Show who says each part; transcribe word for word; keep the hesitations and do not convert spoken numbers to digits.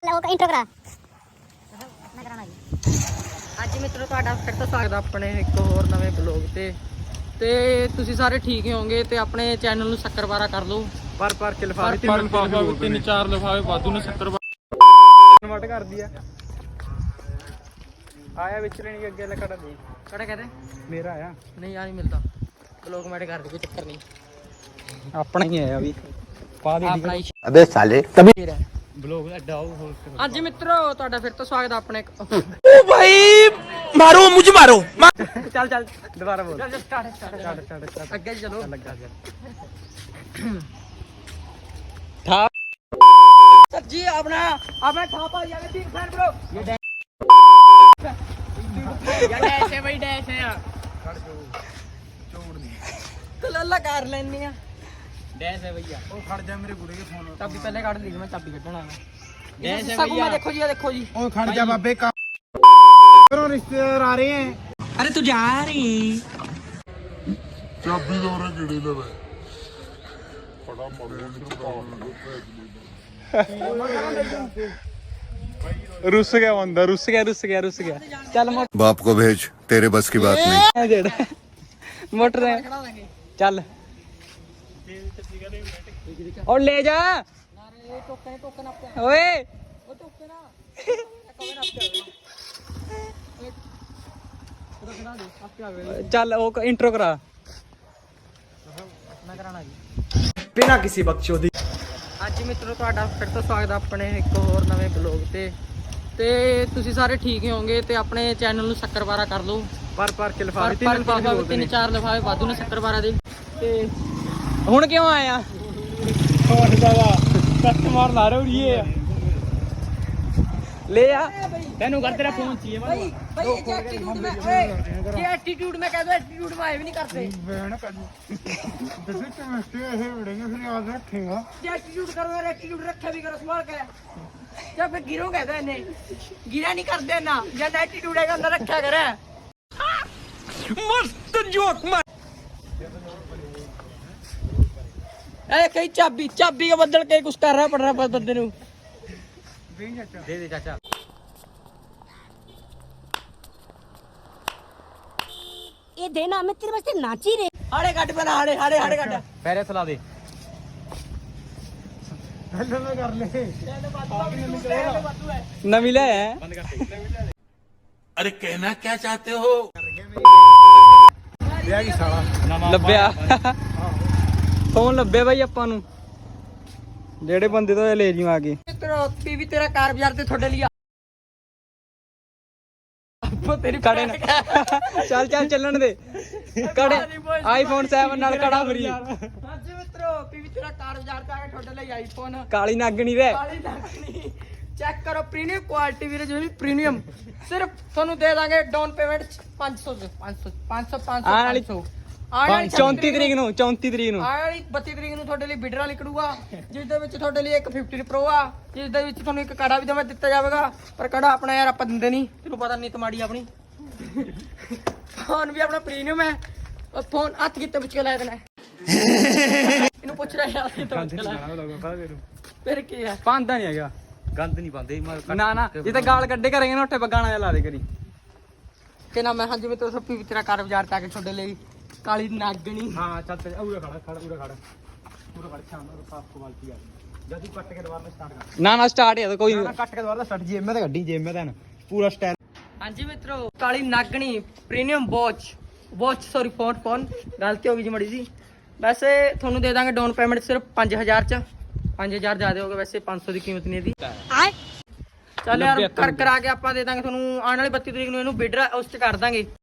Speaker 1: Intro ਕਰਾ ਮੈਂ ਕਰਾਣਾ ਜੀ।
Speaker 2: ਅੱਜ ਮਿੱਤਰੋ ਤੁਹਾਡਾ ਫਿਰ ਤੋਂ ਸਵਾਗਤ ਆਪਣੇ ਇੱਕ ਹੋਰ ਨਵੇਂ ਬਲੌਗ ਤੇ ਤੇ ਤੁਸੀਂ ਸਾਰੇ ਠੀਕ ਹੀ ਹੋਵੋਗੇ ਤੇ ਆਪਣੇ ਚੈਨਲ ਨੂੰ ਸ਼ੱਕਰਵਾਰਾ ਕਰ ਲਓ।
Speaker 3: ਪਰ ਪਰ ਕੇ ਲਿਫਾਫੇ
Speaker 2: ਪਰ
Speaker 3: ਲਿਫਾਫੇ ਤਿੰਨ ਚਾਰ ਲਿਫਾਫੇ ਵਾਧੂ ਨੇ ਸੱਤਰ ਕਨਵਰਟ ਕਰਦੀ ਆ। ਆਇਆ ਵਿੱਚ ਲੈਣੀ ਅੱਗੇ ਲੈ ਕੜਾ ਦੇ
Speaker 2: ਕਿਹੜਾ ਕਹਦੇ
Speaker 3: ਮੇਰਾ ਆਇਆ
Speaker 2: ਨਹੀਂ ਆ ਨਹੀਂ ਮਿਲਦਾ ਬਲੌਗ ਮੈਟ ਕਰ ਦੇ ਕੋਈ ਚੱਕਰ ਨਹੀਂ
Speaker 3: ਆਪਣਾ ਹੀ ਆਇਆ ਵੀ ਪਾ ਦੇ
Speaker 2: ਆਪਣਾ ਹੀ
Speaker 4: ਅਬੇ ਸਾਲੇ ਤभी
Speaker 3: ਬਲੌਗ ਦਾ ਡਾਉ ਹੋਰ
Speaker 2: ਅੱਜ ਮਿੱਤਰੋ ਤੁਹਾਡਾ ਫਿਰ ਤੋਂ ਸਵਾਗਤ ਆਪਣੇ
Speaker 4: ओ भाई मारो मुझे मारो
Speaker 2: ਚੱਲ ਚੱਲ
Speaker 3: ਦੁਬਾਰਾ ਬੋਲ
Speaker 2: ਚੱਲ start start
Speaker 3: start start start
Speaker 2: ਅੱਗੇ ਚਲੋ
Speaker 3: ਲੱਗਾ ਗਿਆ
Speaker 2: ਠਾ ਸੱਜੀ ਆਪਣਾ ਆਪਣਾ ਠਾਪਾ ਜਾਵੇ ਬਿਗ ਫੈਨ ਬ్రో ਇਹ ਡੈ ਇਹ ਡੈਸ਼ ਹੈ ਬਈ ਡੈਸ਼ ਹੈ
Speaker 3: ਖੜ ਜੋ ਚੋੜ ਨਹੀਂ
Speaker 2: ਤੂੰ ਲੱਲਾ ਕਰ ਲੈਣੀ ਆ ਡੈਸ਼ ਹੈ ਭਈਆ
Speaker 3: ਉਹ ਖੜ ਜਾ ਮੇਰੇ ਗੁੜੇ ਦੇ ਫੋਨ
Speaker 2: ਚਾਬੀ ਪਹਿਲੇ ਕੱਢ ਲਈ ਮੈਂ ਚਾਬੀ ਕੱਢਣਾ ਹੈ
Speaker 3: ਡੈਸ਼ ਹੈ
Speaker 2: ਸਭ
Speaker 3: ਭਈਆ।
Speaker 2: ਮੈਂ ਦੇਖੋ ਜੀ ਇਹ ਦੇਖੋ ਜੀ
Speaker 3: ਉਹ ਖੜ ਜਾ ਬਾਬੇ ਕਾ ਕਰੋ ਰਿਸ਼ਤੇਦਾਰ ਆ ਰਹੇ हैं
Speaker 2: अरे तू जा रही
Speaker 5: ਚਾਬੀ ਦਾ ਉਹਨੇ ਕਿਹੜੀ ਲਵੇ ਬੜਾ ਮਰਦਾ
Speaker 3: रुस गया बंदा रुस गया रुस गया रुस गया
Speaker 2: चल मोटर
Speaker 4: बाप को भेज तेरे बस की बात नहीं
Speaker 2: मोटर चल और ले जा ओए चल वो इंट्रो करा मैं कराना जी
Speaker 3: बिना किसी बकचोदी
Speaker 2: ਅੱਜ ਮਿੱਤਰੋ ਤੁਹਾਡਾ ਫਿਰ ਤੋਂ ਸਵਾਗਤ ਹੈ ਆਪਣੇ ਇੱਕ ਹੋਰ ਨਵੇਂ ਬਲੌਗ ਤੇ ਤੇ ਤੁਸੀਂ ਸਾਰੇ ਠੀਕ ਹੀ ਹੋਵੋਗੇ ਤੇ ਆਪਣੇ ਚੈਨਲ ਨੂੰ ਸ਼ੱਕਰਵਾਰਾ ਕਰ ਲਓ।
Speaker 3: ਪਰ ਪਰ ਕੇ
Speaker 2: ਪਰ
Speaker 3: ਲਿਫਾਫੇ
Speaker 2: ਪਰ
Speaker 3: ਤਿੰਨ ਲਿਫਾਫੇ
Speaker 2: ਲਿਫਾਫੇ
Speaker 3: ਬੋਲਦੇ
Speaker 2: ਤਿੰਨ
Speaker 3: ਨੇ
Speaker 2: ਚਾਰ ਲਿਫਾਫੇ ਵਾਧੂ ਨੇ ਸ਼ੱਕਰਵਾਰਾ ਦੇ ਤੇ ਹੁਣ ਕਿਉਂ ਆਇਆ
Speaker 3: ਹੋਰ ਦਾਦਾ ਕਸਟਮਰ ਲਾ ਰਹੇ ਹੋ ਇਹ
Speaker 2: ले आ
Speaker 3: ਤੈਨੂੰ ਕਰ ਤੇਰਾ ਫੋਨ ਚਾਹੀਏ
Speaker 2: भाई भाई ये एटीट्यूड में ओए ये एटीट्यूड में कह दो एटीट्यूड में आए भी नहीं करते
Speaker 3: ਬੈਣ ਕਰ ਦੱਸੇ ਕਿ ਮੈਂ ਇਹ ਵਿੜेंगे फिर याद रखेगा
Speaker 2: ये एटीट्यूड करो यार एटीट्यूड रखा भी करो संभाल के जब फिर गिरो कहते हैं नहीं गिरा नहीं करते ना जब एटीट्यूड है अंदर रखा करे मस्त जोक मार ए कई चाबी चाबी के बदल के कुछ कर रहा पड़ रहा बंदे नु
Speaker 3: दे दे चाचा
Speaker 1: ਇਹ ਦੇਣਾ ਮੈਂ ਤੇਰੇ ਵਾਸਤੇ ਨਾਚੀ ਰੇ
Speaker 2: हाड़े कट पहला हाड़े हाड़े हाड़े कट
Speaker 3: ਪੈਰੇ ਥਲਾ ਦੇ हेलो मैं कर ले
Speaker 2: नवी ले है
Speaker 3: बंद कर दे
Speaker 4: अरे कहना क्या चाहते हो
Speaker 3: ਵਿਆਹ ਕੀ ਸਾਲਾ
Speaker 2: ਲੱਭਿਆ ਫੋਨ ਲੱਭਿਆ ਬਾਈ ਆਪਾਂ ਨੂੰ
Speaker 3: ਜਿਹੜੇ ਬੰਦੇ ਤੋਂ ਲੈ ਜਿਉ ਆ ਕੇ
Speaker 2: ਤੇਰਾ ਪੀਵੀ ਤੇਰਾ ਕਾਰ ਬਾਜ਼ਾਰ ਤੇ ਤੁਹਾਡੇ ਲਈ ਆਪੋ ਤੇਰੀ
Speaker 3: ਕੜੇ ਨਾ ਚੱਲ ਚੱਲ ਚੱਲਣ ਦੇ
Speaker 2: ਕੜੇ
Speaker 3: ਆਈਫੋਨ ਸੈਵਨ ਨਾਲ ਕੜਾ ਫਰੀ
Speaker 2: ਹਾਂਜੀ ਮਿੱਤਰੋ ਪੀਵੀ ਤੇਰਾ ਕਾਰ ਬਾਜ਼ਾਰ ਤੇ ਆ ਕੇ ਤੁਹਾਡੇ ਲਈ ਆਈਫੋਨ
Speaker 3: ਕਾਲੀ ਨਾਗਣੀ ਦੇ
Speaker 2: ਕਾਲੀ ਲੱਗਣੀ ਚੈੱਕ ਕਰੋ ਪ੍ਰੀਮੀਅਮ ਕੁਆਲਿਟੀ ਵੀਰੇ ਜਿਹੜੀ ਪ੍ਰੀਮੀਅਮ ਸਿਰਫ ਤੁਹਾਨੂੰ ਦੇ ਦਾਂਗੇ ਡਾਊਨ ਪੇਮੈਂਟ ਪੰਜ ਸੌ ਪੰਜ ਸੌ ਪੰਜ ਸੌ ਪੰਜ
Speaker 3: ਆਉਣ ਵਾਲੀ
Speaker 2: ਸੌ ਆਉਣ ਵਾਲੀ
Speaker 3: ਚੌਂਤੀ ਤਰੀਕ ਨੂੰ ਚੌਂਤੀ ਤਰੀਕ ਨੂੰ
Speaker 2: ਆਉਣ ਵਾਲੀ ਬੱਤੀ ਤਰੀਕ ਨੂੰ ਤੁਹਾਡੇ ਲਈ ਬਿਡਰਾ ਨਿਕਲੂਗਾ ਜਿਸ ਦੇ ਵਿੱਚ ਤੁਹਾਡੇ ਲਈ ਇੱਕ ਫਿਫਟੀ ਪ੍ਰੋ ਆ ਜਿਸ ਦੇ ਵਿੱਚ ਤੁਹਾਨੂੰ ਇੱਕ ਕੜਾ ਵੀ ਦਵਾ ਦਿੱਤਾ ਜਾਵੇਗਾ ਪਰ ਕੜਾ ਆਪਣਾ ਯਾਰ ਆਪਾਂ ਦਿੰਦੇ ਨਹੀਂ ਤੈਨੂੰ ਪਤਾ ਨਹੀਂ ਤਮਾੜੀ ਆਪਣੀ ਫੋਨ ਵੀ ਆਪਣਾ ਪ੍ਰੀਮੀਅਮ ਹੈ ਉਹ ਫੋਨ ਹੱਥ ਕਿੱਤੇ ਪੁੱਛ ਕੇ ਲਾਇਆ ਦੇਣਾ ਇਹਨੂੰ ਪੁੱਛ ਰਿਹਾ ਯਾਰ ਕਿੱਥੇ ਪੁੱਛ ਕੇ ਲਾਇਆ ਫਿਰ ਕੀ ਹੈ
Speaker 3: ਪਾਂਦਾ ਨਹੀਂ ਹੈਗਾ
Speaker 5: ਗੰਦ ਨਹੀਂ ਪਾਉਂਦੇ
Speaker 3: ਨਾ ਨਾ ਜੇ ਤਾਂ ਗਾਲ ਕੱਢੇ ਕਰਾਂਗੇ ਨਾ ਉੱਥੇ ਬਗਾਣਾ ਜਿਹਾ ਲਾ ਦੇ ਕਰੀ
Speaker 2: ਕਿ ਨਾ ਮੈਂ ਹਾਂਜੀ ਮੈਂ ਤੋਂ ਸੱਪੀ ਵੀ ਤੇਰਾ ਕਾਰ ਬਾਜ਼ਾਰ ਤੇ ਆ ਕੇ ਤੁਹਾਡੇ ਲਈ ਕਾਲੀ ਨਾਗਣੀ
Speaker 3: ਹਾਂ ਚੱਲ ਤੇ ਉਰੇ ਖੜਾ ਖੜਾ ਉਰੇ ਖੜਾ ਉਰੇ ਖੜ ਸ਼ਾਨਦਾਰ ਸਾਫ ਕੁਆਲਿਟੀ ਆ ਜਦੀ ਕੱਟ ਕੇ ਦੁਬਾਰਾ ਸਟਾਰਟ ਕਰ
Speaker 2: ਨਾ ਨਾ ਸਟਾਰਟ ਹੈ ਕੋਈ
Speaker 3: ਨਾ ਕੱਟ ਕੇ ਦੁਬਾਰਾ ਸਟਾਰਟ ਜੇਮ ਮੈਂ ਤਾਂ ਗੱਡੀ ਜੇਮ ਮੈਂ ਤਾਂ ਪੂਰਾ ਸਟਾਈਲ
Speaker 2: ਹਾਂਜੀ ਮਿੱਤਰੋ ਕਾਲੀ ਨਾਗਣੀ premium watch watch sorry phone phone ਗਲਤੀ ਹੋ ਗਈ ਜੀ ਮੜੀ ਜੀ ਵੈਸੇ ਤੁਹਾਨੂੰ ਦੇ ਦਾਂਗੇ ਡਾਊਨ ਪੇਮੈਂਟ ਸਿਰਫ ਪੰਜ ਹਜ਼ਾਰ ਚ ਪੰਜ ਹਜ਼ਾਰ ਜ਼ਿਆਦਾ ਹੋਗਾ ਵੈਸੇ ਪੰਜ ਸੌ ਦੀ ਕੀਮਤ ਨਹੀਂ ਇਹਦੀ
Speaker 1: ਆਏ
Speaker 2: ਚੱਲ ਯਾਰ ਕਰ ਕਰਾ ਕੇ ਆਪਾਂ ਦੇ ਦਾਂਗੇ ਤੁਹਾਨੂੰ ਆਉਣ ਵਾਲੀ ਬੱਤੀ ਤਰੀਕ ਨੂੰ ਇਹਨੂੰ ਬਿਡਰ ਉਸ ਚ ਕਰ ਦਾਂਗੇ